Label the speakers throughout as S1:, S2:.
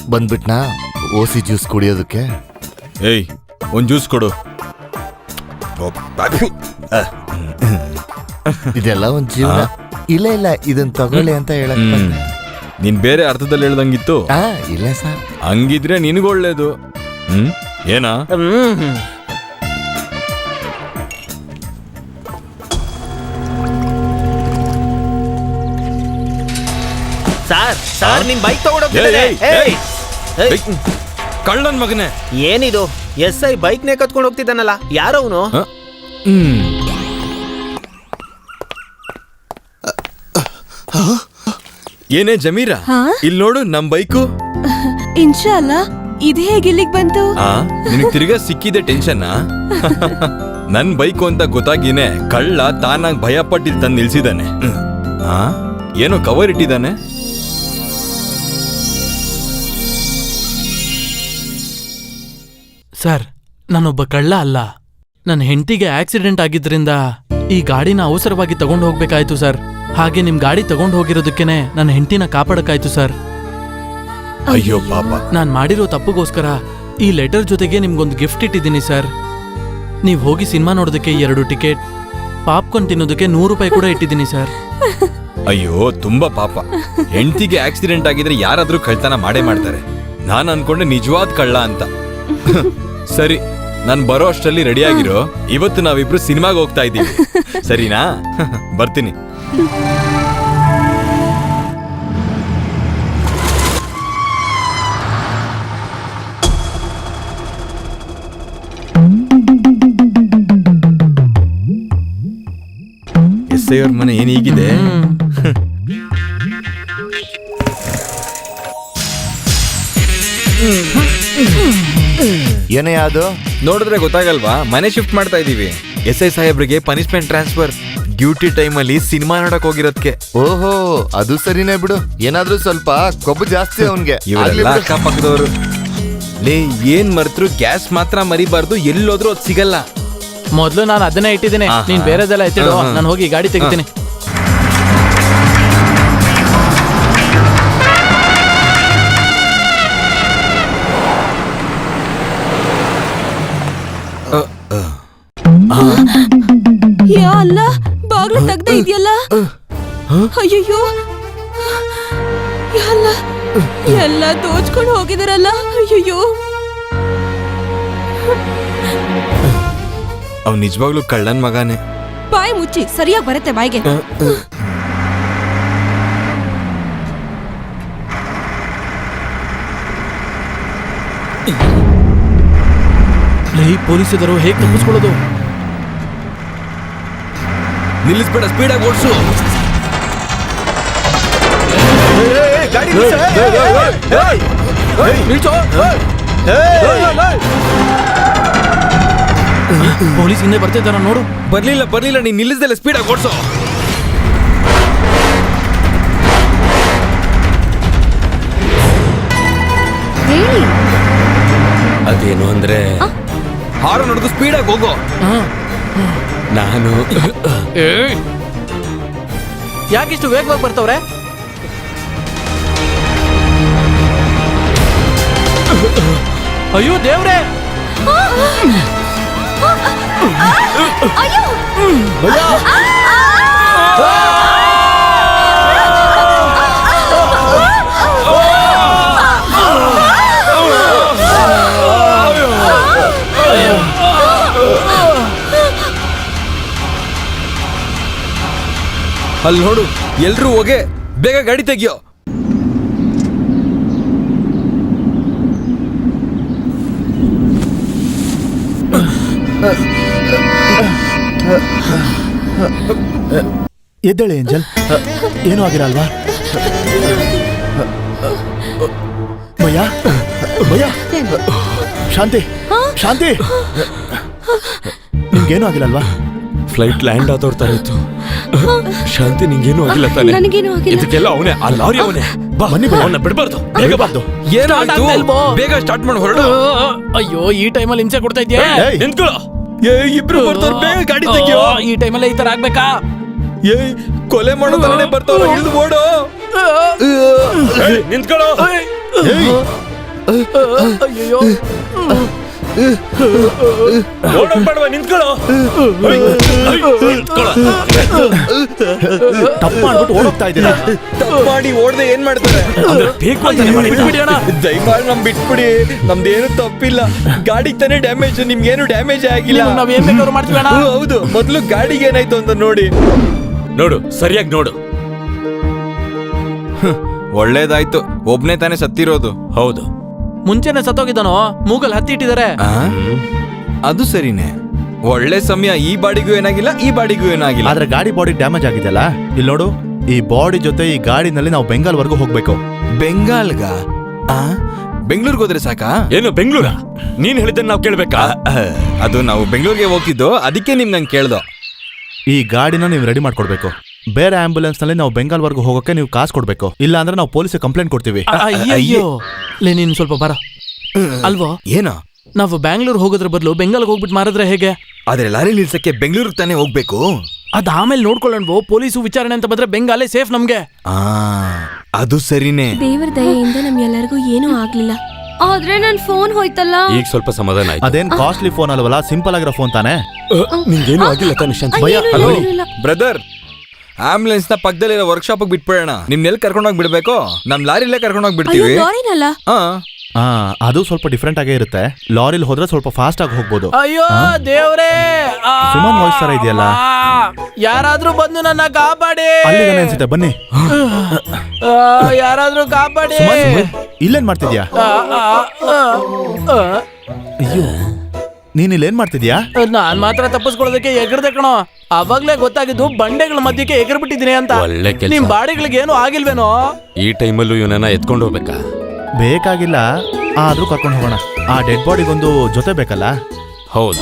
S1: ಬಂದ್ಬಿಟ್ನಾ ಓಸಿ juice ಕುಡಿಯೋದಕ್ಕೆ.
S2: ಏಯ್ ಒಂದ್ ಜ್ಯೂಸ್ ಕೊಡು.
S1: ಇದೆಲ್ಲ ಒಂದ್ ಜೀವನ. ಇಲ್ಲ ಇಲ್ಲ ಇದನ್ ತಗೊಳ್ಳಿ ಅಂತ ಹೇಳಕ್ ಬಂದೆ.
S2: ನೀನ್ ಬೇರೆ ಅರ್ಥದಲ್ಲಿ ಹೇಳ್ದಂಗಿತ್ತು.
S1: ಇಲ್ಲ ಸರ್.
S2: ಹಂಗಿದ್ರೆ ನಿನಗೂ ಒಳ್ಳೇದು. ಏನಾ?
S3: ಸರ್ ನಿಮ್ ಬೈಕ್ ತಗೊಂಡೋಗ್ತಿದ್ದಾರೆ.
S2: ಕಳ್ಳನ್ ಮಗನೇ,
S3: ಏನಿದು? SI ಬೈಕ್ ನೇ ಕತ್ಕೊಂಡು ಹೋಗ್ತಿದ್ದಾನಲ್ಲ, ಯಾರವನು?
S2: ಏನೇ ಜಮೀರಾ, ಇಲ್ಲಿ ನೋಡು ನಮ್ ಬೈಕು.
S4: ಇನ್ಶಾಲ್ಲಾ ಇದು ಹೇಗೆ ಇಲ್ಲಿಗೆ ಬಂತು?
S2: ನಿನಗ್ ತಿರ್ಗಾ ಸಿಕ್ಕಿದೆ ಟೆನ್ಷನ್. ನನ್ ಬೈಕು ಅಂತ ಗೊತ್ತಾಗಿನೇ ಕಳ್ಳ ತಾನಾಗ್ ಭಯ ಪಟ್ಟಿಲ್ ತಂದು ನಿಲ್ಸಿದಾನೆ. ಏನೋ ಕವರ್ ಇಟ್ಟಿದ್ದಾನೆ.
S5: ಸರ್, ನಾನೊಬ್ಬ ಕಳ್ಳ ಅಲ್ಲ. ನನ್ನ ಹೆಂಡತಿಗೆ ಆಕ್ಸಿಡೆಂಟ್ ಆಗಿದ್ರಿಂದ ಈ ಗಾಡಿನ ಅವಸರವಾಗಿ ತಗೊಂಡು ಹೋಗ್ಬೇಕಾಯ್ತು ಸರ್. ಹಾಗೆ ನಿಮ್ ಗಾಡಿ ತಗೊಂಡು ಹೋಗಿರೋದಕ್ಕೇನೆ ನನ್ನ ಹೆಂಡತಿನ ಕಾಪಾಡಕ್ಕಾಯ್ತು ಸರ್.
S2: ಅಯ್ಯೋ ಪಾಪ.
S5: ನಾನ್ ಮಾಡಿರೋ ತಪ್ಪುಗೋಸ್ಕರ ಈ ಲೆಟರ್ ಜೊತೆಗೆ ನಿಮ್ಗೊಂದು ಗಿಫ್ಟ್ ಇಟ್ಟಿದ್ದೀನಿ ಸರ್. ನೀವ್ ಹೋಗಿ ಸಿನಿಮಾ ನೋಡೋದಕ್ಕೆ 2 ಟಿಕೆಟ್, ಪಾಪ್ಕಾರ್ನ್ ತಿನ್ನೋದಕ್ಕೆ 100 ರೂಪಾಯಿ ಕೂಡ ಇಟ್ಟಿದ್ದೀನಿ ಸರ್.
S2: ಅಯ್ಯೋ ತುಂಬಾ ಪಾಪ. ಹೆಂಡತಿಗೆ ಆಕ್ಸಿಡೆಂಟ್ ಆಗಿದ್ರೆ ಯಾರಾದ್ರೂ ಕಳ್ತನ ಮಾಡೇ ಮಾಡ್ತಾರೆ. ನಾನ್ ಅನ್ಕೊಂಡೆ ನಿಜವಾದ ಕಳ್ಳ ಅಂತ. ಸರಿ, ನಾನ್ ಬರೋ ಅಷ್ಟರಲ್ಲಿ ರೆಡಿ ಆಗಿರೋ. ಇವತ್ತು ನಾವಿಬ್ರು ಸಿನಿಮಾಗೆ ಹೋಗ್ತಾ ಇದ್ದೀವಿ, ಸರಿನಾ? ಬರ್ತೀನಿ. SI ಅವ್ರ ಮನೆ ಏನ್ ಹೀಗಿದೆ?
S1: ಏನೇ ಅದು?
S2: ನೋಡಿದ್ರೆ ಗೊತ್ತಾಗಲ್ವಾ? ಮನೆ ಶಿಫ್ಟ್ ಮಾಡ್ತಾ ಇದೀವಿ. SI ಸಾಹೇಬ್ರಿಗೆ ಪನಿಷ್ಮೆಂಟ್ ಟ್ರಾನ್ಸ್ಫರ್. ಡ್ಯೂಟಿ ಟೈಮ್ ಅಲ್ಲಿ ಸಿನಿಮಾ ನೋಡಕ್ ಹೋಗಿರೋದಕ್ಕೆ.
S1: ಓಹೋ, ಅದು ಸರಿನೇ ಬಿಡು. ಏನಾದ್ರೂ ಸ್ವಲ್ಪ ಕೊಬ್ಬು ಜಾಸ್ತಿ ಅವನ್ಗೆ.
S2: ಇವರೆಲ್ಲ ಅಕ್ಕಪಕ್ಕದವರು. ಲೇ, ಏನ್ ಮರ್ತರು ಗ್ಯಾಸ್ ಮಾತ್ರ ಮರಿಬಾರ್ದು. ಎಲ್ಲೋದ್ರೂ ಅದ್ ಸಿಗಲ್ಲ.
S5: ಮೊದ್ಲು ನಾನು ಅದನ್ನೇ ಇಟ್ಟಿದ್ದೀನಿ. ನೀನ್ ಬೇರೆದೆಲ್ಲ ಎತ್ತಿಡು, ನಾನು ಹೋಗಿ ಗಾಡಿ ತೆಗಿತೀನಿ.
S4: ಯಾ ಅಲ್ಲ, ಬಾಗ್ಲು ತೆಗ್ದ ಇದೆಯಲ್ಲ. ಅಯ್ಯಯ್ಯೋ, ಎಲ್ಲ ದೋಚ್ಕೊಂಡು ಹೋಗಿದಾರಲ್ಲ. ಅಯ್ಯಯ್ಯೋ,
S2: ಅವ್ ನಿಜವಾಗ್ಲೂ ಕಳ್ಳನ್ ಮಗಾನೆ.
S4: ಬಾಯಿ ಮುಚ್ಚಿ, ಸರಿಯಾಗಿ ಬರುತ್ತೆ ಬಾಯಿಗೆ.
S5: ಪೊಲೀಸರು ಹೇಗೆ ತಪ್ಪಿಸ್ಕೊಳ್ಳೋದು?
S2: ನಿಲ್ಲಿಸ್ಬೇಡ, ಸ್ಪೀಡಾಗಿ ಓಡಿಸು.
S5: ಪೊಲೀಸ್ ಹಿಂದೆ ಬರ್ತಿದ್ದಾರ ನೋಡು.
S2: ಬರ್ಲಿಲ್ಲ, ನೀನ್ ನಿಲ್ಲಿಸ್ದಲ್ಲ, ಸ್ಪೀಡಾಗಿ ಓಡಿಸು. ಅದೇನು ಅಂದ್ರೆ ಹಾರು ನೋಡಿದು ಸ್ಪೀಡಾಗಿ ಹೋಗೋ. ನಾನು
S5: ಯಾಕಿಷ್ಟು ವೇಗವಾಗಿ ಬರ್ತವ್ರೆ? ಅಯ್ಯೋ ದೇವ್ರೆ!
S2: ಅಲ್ಲಿ ನೋಡು, ಎಲ್ರೂ ಹೋಗೆ, ಬೇಗ ಗಾಡಿ ತೆಗಿಯೋ.
S6: ಎದ್ದೇಳೆ ಏಂಜಲ್, ಏನೂ ಆಗಿರಲ್ವಾ? ಭಯ, ಶಾಂತಿ, ನಿಮ್ಗೇನು ಆಗಿಲ್ಲಲ್ವಾ?
S2: ಫ್ಲೈಟ್ ಲ್ಯಾಂಡ್ ಆದವ್ರ ತರ ಇತ್ತು. ಶಾಂತಿ, ನಿಂಗೇನು ಆಗಿಲ್ಲ ತಾನೆ? ಇದಕ್ಕೆಲ್ಲ ಅವನೇ, ಆ ಲಾರಿ ಅವನೇ.
S6: ಬನ್ನಿ,
S2: ಅವನ್ನ ಬಿಡಬಾರ್ದು. ಏನಾಯ್ತು? ಬೇಗ ಸ್ಟಾರ್ಟ್ ಮಾಡಿ ಹೊರಡು.
S5: ಅಯ್ಯೋ, ಈ ಟೈಮಲ್ಲಿ ಹಿಂಸೆ ಕೊಡ್ತಾ ಇದ್ಯಾ?
S2: ನಿಂತ್ಕೊಳ್ಳೋ. ಇಬ್ರು ಬರ್ತಾರ, ಬೇಗ ಗಾಡಿ ತೆಗಿಯೋ.
S5: ಈ ಟೈಮಲ್ಲಿ ಈ ತರ ಆಗ್ಬೇಕಾ?
S2: ಕೊಲೆ ಮಾಡೋ ತರನೇ ಬರ್ತಾವ, ಇಳಿದು ಓಡು. ನಿಂತ್ಕೊಳ್ಳೋ.
S5: ಅಯ್ಯೋ
S6: ತಪ್ಪು ಮಾಡ್ಬಿಟ್ಟು ಓಡೋಗ್ತಾ ಇದ್ದೀರಾ.
S2: ಮಾಡಿ ಓಡ್ದೆ ಏನ್ ಮಾಡ್ತಾರೆ?
S5: ಬಿಟ್ಬಿಡಿ ಅಣ್ಣ.
S2: ದಯಮಾಡಿ ನಮ್ ಬಿಟ್ಬಿಡಿ, ನಮ್ದೇನು ತಪ್ಪಿಲ್ಲ. ಗಾಡಿಗೆ ತಾನೇ ಡ್ಯಾಮೇಜ್, ನಿಮ್ಗೇನು ಡ್ಯಾಮೇಜ್ ಆಗಿಲ್ಲ.
S5: ನಾವ್ ಏನ್ ಬೇಕಾದ್ರೂ ಮಾಡ್ತೀವಿ ಅಣ್ಣ.
S2: ಹೌದು, ಮೊದ್ಲು ಗಾಡಿಗೆ ಏನಾಯ್ತು ಅಂತ ನೋಡಿ.
S7: ನೋಡು, ಸರಿಯಾಗಿ ನೋಡು.
S2: ಒಳ್ಳೇದಾಯ್ತು, ಒಬ್ನೇ ತಾನೇ ಸತ್ತಿರೋದು.
S7: ಹೌದು,
S5: ಮುಂಚೆನೆ ಸತ್ತೋಗಿದ್ದಾನೋ, ಮೂಗಲ್ ಹತ್ತಿ ಇಟ್ಟಿದ್ದಾರೆ.
S2: ಆ? ಅದು ಸರಿನೇ. ಒಳ್ಳೆ ಸಮಯ. ಈ ಬಾಡಿಗೂ ಏನಾಗಿಲ್ಲ, ಈ ಬಾಡಿಗೂ ಏನಾಗಿಲ್ಲ.
S6: ಆದ್ರೆ ಗಾಡಿ ಬಾಡಿ ಡ್ಯಾಮೇಜ್ ಆಗಿದೆಯಲ್ಲ, ಇಲ್ಲಿ ನೋಡು. ಈ ಬಾಡಿ ಜೊತೆ ಈ ಗಾಡಿನಲ್ಲಿ ನಾವು ಬೆಂಗಾಲ್ ವರ್ಗೂ ಹೋಗ್ಬೇಕು.
S2: ಬೆಂಗಾಲ್ಗ? ಬೆಂಗಳೂರಿಗೆ ಹೋದ್ರೆ ಸಾಕಾ?
S7: ಏನು ಬೆಂಗಳೂರ? ನೀನ್ ಹೇಳಿದ್ದನ್ನ ನಾವು ಕೇಳ್ಬೇಕಾ?
S2: ಅದು ನಾವು ಬೆಂಗಳೂರಿಗೆ ಹೋಗ್ತಿದ್ದೋ, ಅದಕ್ಕೆ ನಿಮ್ ನಂಗೆ ಕೇಳ್ದೋ.
S6: ಈ ಗಾಡಿನ ನೀವು ರೆಡಿ ಮಾಡ್ಕೊಡ್ಬೇಕು. ಬೇರೆ ಆಂಬ್ಯುಲೆನ್ಸ್ ನಲ್ಲಿ ನಾವು ಬೆಂಗಾಲ್ ವರ್ಗೂ ಹೋಗಕ್ಕೆ ನೀವು ಕಾಸು ಕೊಡ್ಬೇಕು. ಇಲ್ಲ ಅಂದ್ರೆ ನಾವು ಪೊಲೀಸ್ ಕಂಪ್ಲೇಂಟ್ ಕೊಡ್ತೀವಿ.
S5: ಅಯ್ಯೋ ಲೇ, ನೀನ್ ಸ್ವಲ್ಪ ಬರ. ಅಲ್ವೋ,
S2: ಏನೋ
S5: ನಾವು ಬ್ಯಾಂಗ್ಳೂರ್ ಹೋಗೋದ್ರ ಬದಲು ಬೆಂಗಾಲ್ಗೆ ಹೋಗ್ಬಿಟ್ಟು ಮಾರಿದ್ರೆ ಹೇಗೆ?
S2: ಆದ್ರೆ ಲಾರಿ ನಿಲ್ಸಕ್ಕೆ ಬೆಂಗಳೂರಿಗೆ ತಾನೇ ಹೋಗ್ಬೇಕು.
S5: ಅದ್ ಆಮೇಲೆ ನೋಡ್ಕೊಳ್ಳೋಣ. ಪೊಲೀಸು ವಿಚಾರಣೆ ಅಂತ ಬಂದ್ರೆ ಬೆಂಗಾಲೇ ಸೇಫ್ ನಮ್ಗೆ.
S2: ಅದು ಸರಿನೇ.
S4: ದೇವರ ದಯೆಯಿಂದ ನಮ್ಗೆಲ್ಲರಿಗೂ ಏನೂ ಆಗ್ಲಿಲ್ಲ. ಆದ್ರೆ ನನ್ ಫೋನ್ ಹೋಯ್ತಲ್ಲ.
S7: ಈಗ ಸ್ವಲ್ಪ ಸಮಾಧಾನ ಆಯ್ತು.
S6: ಅದೇನ್ ಕಾಸ್ಟ್ಲಿ ಫೋನ್ ಅಲ್ವಲ್ಲ, ಸಿಂಪಲ್ ಆಗಿರೋ ಫೋನ್ ತಾನೆ.
S7: ನಿಂಗೇನು ಆಗಿಲ್ಲ ತಾನೆ ಶಾಂತಿ?
S6: ಭಯ,
S4: ಅಯ್ಯೋ,
S6: ಹಲೋ.
S4: ಇಲ್ಲ.
S2: ಬ್ರದರ್, ಆಂಬುಲೆನ್ಸ್ ನ ಪಕ್ಕದಲ್ಲಿರೋ ವರ್ಕ್ಶಾಪ್ ಬಿಟ್ಬಿಡೋಣ. ನಿಮ್ನೆಲ್ಲಿ ಕರ್ಕೊಂಡೋಗಿ ಬಿಡ್ಬೇಕು? ನಮ್ ಲಾರಿಲೇ ಕರ್ಕೊಂಡೋಗಿ
S4: ಅಯ್ಯೋ,
S2: ಬಿಡ್ತೀವಿ.
S4: ಲಾರಿನಲ್ಲ.
S6: ಅದು ಸ್ವಲ್ಪ ಡಿಫ್ರೆಂಟ್ ಆಗೇ ಇರುತ್ತೆ. ಲಾರಿಲಿ ಹೋದ್ರೆ ಸ್ವಲ್ಪ ಫಾಸ್ಟ್ ಆಗಿ ಹೋಗ್ಬೋದು.
S5: ಅಯ್ಯೋ ದೇವ್ರೇ,
S6: ಸುಮನ್ ವಾಯ್ಸ್ ತರ ಇದೆಯಲ್ಲ.
S5: ಯಾರಾದ್ರೂ ಬಂದು ನನ್ನ ಕಾಪಾಡಿ.
S6: ಅಲ್ಲಿಗಾನೆ ಅನ್ಸುತ್ತೆ, ಬನ್ನಿ.
S5: ಯಾರಾದ್ರೂ ಕಾಪಾಡಿ.
S6: ಸುಮನ್, ಇಲ್ಲೇನ್ ಮಾಡ್ತಿದ್ಯಾ? ಅಯ್ಯೋ, ನೀನ್ ಇಲ್ಲೇನ್ ಮಾಡ್ತಿದ್ಯಾ?
S5: ನಾನ್ ಮಾತ್ರ ತಪ್ಪಿಸ್ಕೊಳ್ಳೋದಕ್ಕೆ ಎಗರ್ದೆ ಕಣೋ. ಅವಾಗ್ಲೇ ಗೊತ್ತಾಗಿದ್ದು ಬಂಡೆಗಳ ಮಧ್ಯಕ್ಕೆ ಎಗರ್ ಬಿಟ್ಟಿದ್ದೀನಿ ಅಂತ.
S7: ಒಳ್ಳೆ ಕೆಲ್ಸ.
S5: ನಿಮ್ ಬಾಡಿಗಳಿಗೆ ಏನು ಆಗಿಲ್ವೇನೋ?
S7: ಈ ಟೈಮಲ್ಲೂ ಇವನನ್ನ ಎತ್ಕೊಂಡು ಹೋಗ್ಬೇಕಾ?
S6: ಬೇಕಾಗಿಲ್ಲ, ಆದ್ರೂ ಕರ್ಕೊಂಡು ಹೋಗೋಣ. ಆ ಡೆಡ್ ಬಾಡಿಗೊಂದು ಜೊತೆ ಬೇಕಲ್ಲ.
S7: ಹೌದು.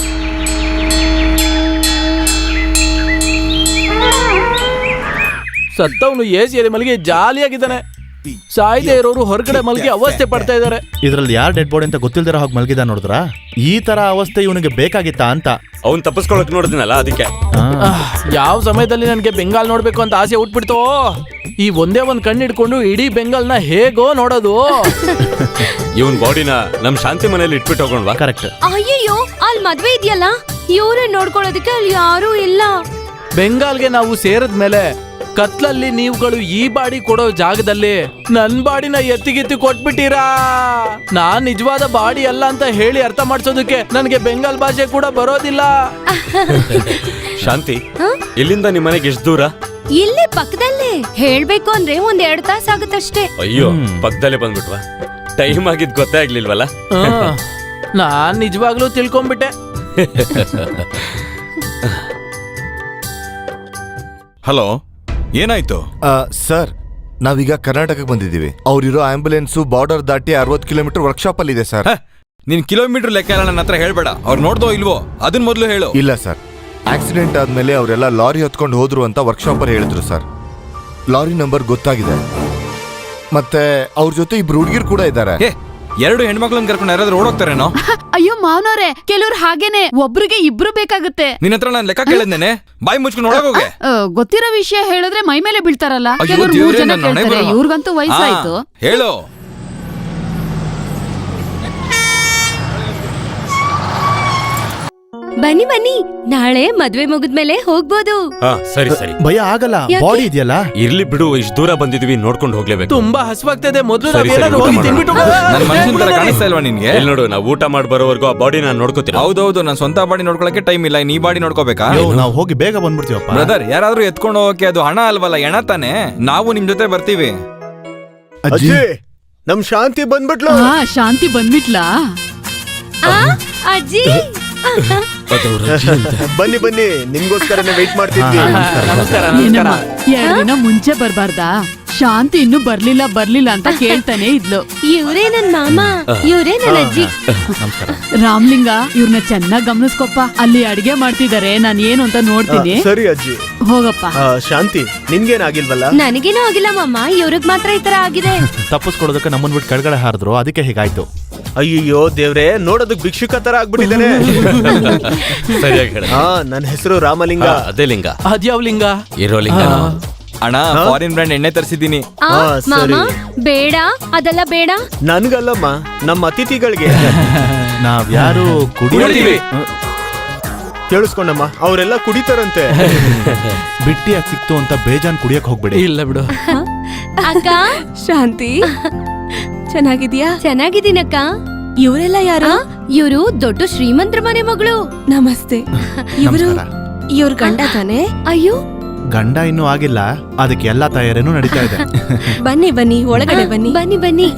S5: ಸತ್ತವನು ಎಸಿಯಲ್ಲಿ ಮಲಗಿ ಜಾಲಿಯಾಗಿದ್ದಾನೆ. ಸಾಯ್ದೆ ಇರೋರು ಹೊರಗಡೆ ಮಲಗಿ ಅವಸ್ಥೆ ಪಡ್ತಾ ಇದಾರೆ.
S6: ಇದ್ರಲ್ಲಿ ಯಾರ್ ಡೆಡ್ ಬಾಡಿ ಅಂತ ಗೊತ್ತಿಲ್ದಿರ ಹೋಗಿ ಮಲಗಿದ ನೋಡಿದ್ರ? ಈ ತರ ಅವಸ್ಥೆ ಇವನಿಗೆ ಬೇಕಾಗಿತ್ತಾ ಅಂತ.
S7: ಅವ್ನ್ ತಪ್ಪಿಸ್ಕೊಳಕ್ ನೋಡಿದ್ನಲ್ಲ ಅದಕ್ಕೆ.
S5: ಯಾವ ಸಮಯದಲ್ಲಿ ನನ್ಗೆ ಬೆಂಗಾಲ್ ನೋಡ್ಬೇಕು ಅಂತ ಆಸೆ ಹುಟ್ಬಿಡ್ತೋ. ಈ ಒಂದೇ ಒಂದ್ ಕಣ್ಣು ಹಿಡ್ಕೊಂಡು ಇಡೀ ಬೆಂಗಾಲ್ನ ಹೇಗೋ ನೋಡೋದು.
S7: ಇವನ್ ಬಾಡಿನ ನಮ್ ಶಾಂತಿ ಮನೇಲಿ ಇಟ್ಬಿಟ್ಟು ಹೋಗೋಣವಾ?
S6: ಕರೆಕ್ಟ್.
S4: ಅಯ್ಯಯ್ಯೋ, ಅಲ್ಲಿ ಮದ್ವೆ ಇದೆಯಲ್ಲ, ಇವ್ರೇ ನೋಡ್ಕೊಳ್ಳೋದಕ್ಕೆ ಅಲ್ಲಿ ಯಾರೂ ಇಲ್ಲ.
S5: ಬೆಂಗಾಲ್ಗೆ ನಾವು ಸೇರಿದ್ಮೇಲೆ ಕತ್ಲಲ್ಲಿ ನೀವುಗಳು ಈ ಬಾಡಿ ಕೊಡೋ ಜಾಗದಲ್ಲಿ ನನ್ ಬಾಡಿನ ಎತ್ತಿಗೆತ್ತಿ ಕೊಟ್ಬಿಟ್ಟಿರಾ. ನಾನ್ ನಿಜವಾದ ಬಾಡಿ ಅಲ್ಲ ಅಂತ ಹೇಳಿ ಅರ್ಥ ಮಾಡ್ಸೋದಕ್ಕೆ ನನಗೆ ಬೆಂಗಾಲ್ ಭಾಷೆ ಕೂಡ ಬರೋದಿಲ್ಲ.
S7: ಶಾಂತಿ, ಇಲ್ಲಿಂದ ನಿಮ್ ಮನೆಗೆ ಎಷ್ಟು ದೂರ?
S4: ಇಲ್ಲೇ ಪಕ್ಕದಲ್ಲೇ. ಹೇಳ್ಬೇಕು ಅಂದ್ರೆ 1-2 ತಾಸು ಆಗುತ್ತಷ್ಟೇ.
S7: ಅಯ್ಯೋ, ಪಕ್ಕದಲ್ಲೇ ಬಂದ್ಬಿಟ್ವಾ? ಟೈಮ್ ಆಗಿದ್ ಗೊತ್ತೇ ಆಗ್ಲಿಲ್ವಲ್ಲ?
S5: ನಾನ್ ನಿಜವಾಗ್ಲೂ ತಿಳ್ಕೊಂಡ್ಬಿಟ್ಟೆ.
S2: ಹಲೋ, ಏನಾಯ್ತು?
S1: ಸರ್, ನಾವೀಗ ಕರ್ನಾಟಕಕ್ಕೆ ಬಂದಿದ್ದೀವಿ. ಅವ್ರಿರೋ ಆಂಬ್ಯುಲೆನ್ಸ್ ಬಾರ್ಡರ್ ದಾಟಿ 60 ಕಿಲೋಮೀಟರ್ ವರ್ಕ್ಶಾಪ್ ಅಲ್ಲಿ ಇದೆ ಸರ್.
S2: ನೀನ್ ಕಿಲೋಮೀಟರ್ ಲೆಕ್ಕ ಎಲ್ಲ ನನ್ನ ಹತ್ರ ಹೇಳ್ಬೇಡ. ಅವ್ರು ನೋಡ್ದೋ ಇಲ್ವೋ ಅದನ್ ಮೊದ್ಲು ಹೇಳು.
S1: ಇಲ್ಲ ಸರ್, ಆಕ್ಸಿಡೆಂಟ್ ಆದ್ಮೇಲೆ ಅವರೆಲ್ಲ ಲಾರಿ ಹೊತ್ಕೊಂಡು ಹೋದ್ರು ಅಂತ ವರ್ಕ್ಶಾಪ್ ಅಲ್ಲಿ ಹೇಳಿದ್ರು ಸರ್. ಲಾರಿ ನಂಬರ್ ಗೊತ್ತಾಗಿದೆ. ಮತ್ತೆ ಅವ್ರ ಜೊತೆ ಇಬ್ರು ಹುಡುಗಿರು ಕೂಡ ಇದ್ದಾರೆ.
S2: 2 ಹೆಣ್ಮಕ್ಳನ್ನ ಕರ್ಕೊಂಡು ಯಾರಾದ್ರೂ ಓಡೋಗ್ತಾರೇನೋ?
S8: ಅಯ್ಯೋ ಮಾವನವ್ರೆ, ಕೆಲವ್ರು ಹಾಗೇನೆ, ಒಬ್ರಿಗೆ ಇಬ್ರು ಬೇಕಾಗುತ್ತೆ.
S2: ನಿನ್ನ ಹತ್ರ ನಾನು ಲೆಕ್ಕ ಕೇಳಿದ್ದೇನೆ. ಬಾಯಿ ಮುಚ್ಕೊಂಡು ಒಳಗೋಗೆ.
S8: ಗೊತ್ತಿರೋ ವಿಷಯ ಹೇಳಿದ್ರೆ ಮೈ ಮೇಲೆ ಬೀಳ್ತಾರಲ್ಲ.
S2: ಅಯ್ಯೋ
S8: ಕೆಲವ್ರು 3
S2: ದೇವ್ರೇ,
S8: ಜನ
S2: ನನ್ನ ಹಣೆ
S8: ಕೇಳ್ತಾರೆ.
S2: ಬರಹ.
S8: ಇವ್ರಿಗಂತೂ ವಯಸ್ಸಾಯ್ತು.
S2: ಹೇಳು.
S4: ಬನ್ನಿ ಬನ್ನಿ, ನಾಳೆ ಮದ್ವೆ ಮುಗಿದ್ಮೇಲೆ ಹೋಗ್ಬೋದು.
S7: ಹಾ, ಸರಿ ಸರಿ.
S6: ಭಯ ಆಗಲ್ಲ,
S4: ಯಾಕೆ?
S6: ಬಾಡಿ ಇದೆಯಲ್ಲ.
S7: ಇರ್ಲಿ ಬಿಡು, ಇಷ್ಟು ದೂರ ಬಂದಿದೀವಿ, ನೋಡ್ಕೊಂಡು ಹೋಗ್ಲೇಬೇಕು.
S5: ತುಂಬಾ ಹಸುವಾಗ್ತಿದೆ. ಮೊದಲು
S7: ಸರಿ,
S5: ನಾವೇನಾದ್ರೂ
S7: ಊಟ
S5: ಹೋಗಿ
S7: ಮಾಡೋಣ.
S5: ತಿನ್ಬಿಟ್ಟು
S2: ನನ್ನ ಮನುಷ್ಯನ ತರ ಕಾಣಿಸ್ತಾ ಇಲ್ವಾ ನಿನ್ಗೆ?
S7: ಎಲ್ಲಿ ನೋಡು, ನಾವು ಊಟ ಮಾಡಿ ಬರೋವರೆಗೂ ಆ ಬಾಡಿ ನಾನು ನೋಡ್ಕೋತೀನಿ.
S2: ಹೌದೌದು, ನಾನು ಸ್ವಂತ ಬಾಡಿ ನೋಡ್ಕೊಳಕ್ಕೆ ಟೈಮ್ ಇಲ್ಲ. ನೀ ಬಾಡಿ ನೋಡ್ಕೋಬೇಕಾ?
S6: ನಾವು ಹೋಗಿ ಬೇಗ ಬಂದ್ಬಿಡ್ತೀವಪ್ಪ.
S2: ಬ್ರದರ್, ಯಾರಾದ್ರೂ ಎತ್ಕೊಂಡು ಹೋಗಕ್ಕೆ ಅದು ಹಣ ಅಲ್ವಲ್ಲ, ಎಣ ತಾನೆ. ನಾವು ನಿಮ್ ಜೊತೆ ಬರ್ತೀವಿ.
S6: ಅಜ್ಜಿ,
S3: ನಮ್ ಶಾಂತಿ ಬಂದ್ಬಿಟ್ಲು.
S8: ಹಾ, ಶಾಂತಿ ಬಂದ್ಬಿಟ್ಲಾ?
S4: ಅಜ್ಜಿ,
S3: ಬನ್ನಿ ಬನ್ನಿ, ನಿಮ್ಗೋಸ್ಕರನೇ ವೆಯ್ಟ್ ಮಾಡ್ತಿದ್ವಿ.
S5: ನಮಸ್ಕಾರ.
S8: ಏನಮ್ಮ, 2 ದಿನ ಮುಂಚೆ ಬರ್ಬಾರ್ದಾ? ಶಾಂತಿ ಇನ್ನೂ ಬರ್ಲಿಲ್ಲ ಅಂತ ಕೇಳ್ತಾನೆ ಇದ್ಲು.
S4: ಇವ್ರೇ ನನ್ ಮಾಮ, ಇವ್ರೇ ನನ್ ಅಜ್ಜಿ.
S8: ರಾಮ್ಲಿಂಗ, ಇವ್ರನ್ನ ಚೆನ್ನಾಗ್ ಗಮನಿಸ್ಕೊಪ್ಪ. ಅಲ್ಲಿ ಅಡ್ಗೆ ಮಾಡ್ತಿದಾರೆ, ನಾನ್ ಏನು ಅಂತ ನೋಡ್ತೀನಿ.
S3: ಸರಿ ಅಜ್ಜಿ.
S8: ಹೋಗಪ್ಪ.
S3: ಶಾಂತಿ, ನಿನ್ಗೇನಾಗಿಲ್ವಲ್ಲ?
S4: ನನಗೇನೂ ಆಗಿಲ್ಲ ಮಾಮ, ಇವ್ರಿಗ್ ಮಾತ್ರ ಈ ತರ ಆಗಿದೆ.
S6: ತಪ್ಪಿಸ್ಕೊಡೋದಕ್ಕೆ ನಮ್ಮನ್ ಬಿಟ್ಟು ಕೆಳಗಡೆ ಹಾರಿದ್ರು, ಅದಕ್ಕೆ ಹೀಗಾಯ್ತು.
S3: ಅಯ್ಯಯ್ಯೋ ದೇವ್ರೆ, ನೋಡೋದಕ್ ಭಿಕ್ಷುಕ ತರ ಆಗ್ಬಿಟ್ಟಿದ್ದಾನೆ.
S7: ಸರಿಯಾಗಿ ಹೇಳ.
S3: ಹಾ, ನನ್ನ ಹೆಸರು ರಾಮಲಿಂಗ.
S7: ಅದೇ ಲಿಂಗ.
S5: ಅದ್ಯಾವ ಲಿಂಗ?
S7: ಇರೋ ಲಿಂಗ.
S2: ಅಣ್ಣ ಫಾರಿನ್ ಬ್ರ್ಯಾಂಡ್ ಎಣ್ಣೆ ತರಿಸಿದ್ದೀನಿ.
S4: ಆ,
S3: ಹಾ, ಸರಿ.
S4: ಮಾಮ ಬೇಡ ಅದೆಲ್ಲ ಬೇಡ.
S3: ನನ್ಗಲ್ಲಮ್ಮ, ನಮ್ಮ ಅತಿಥಿಗಳಿಗೆ.
S6: ನಾವ್ಯಾರು ಕುಡಿಯೋದಿವಿ
S3: ಕೇಳಿಸ್ಕೊಂಡಮ್ಮ, ಅವರೆಲ್ಲ ಕುಡಿತಾರಂತೆ.
S6: ಬಿಟ್ಟಿಯಾಗಿ ಸಿಕ್ತು ಅಂತ ಬೇಜಾನ್ ಕುಡಿಯಕ್ ಹೋಗ್ಬೇಡಿ.
S5: ಇಲ್ಲ ಬಿಡು.
S4: ಅಕ್ಕ
S9: ಶಾಂತಿ ಚೆನ್ನಾಗಿದ್ಯಾ?
S4: ಚೆನ್ನಾಗಿದ್ದೀನಕ್ಕ.
S9: ಇವರೆಲ್ಲ ಯಾರು?
S4: ಇವರು ದೊಡ್ಡ ಶ್ರೀಮಂತರ ಮನೆ ಮಗಳು.
S9: ನಮಸ್ತೆ. ಇವರು
S6: ನಮಸ್ಕಾರ.
S9: ಇವ್ರ ಗಂಡ ತಾನೆ?
S4: ಅಯ್ಯೋ
S6: ಗಂಡ ಇನ್ನೂ ಆಗಿಲ್ಲ, ಅದಕ್ಕೆ ಎಲ್ಲಾ ತಯಾರಿನೂ ನಡೀತಾ ಇದೆ.
S9: ಬನ್ನಿ ಬನ್ನಿ, ಒಳಗಡೆ ಬನ್ನಿ.
S4: ಬನ್ನಿ ಬನ್ನಿ.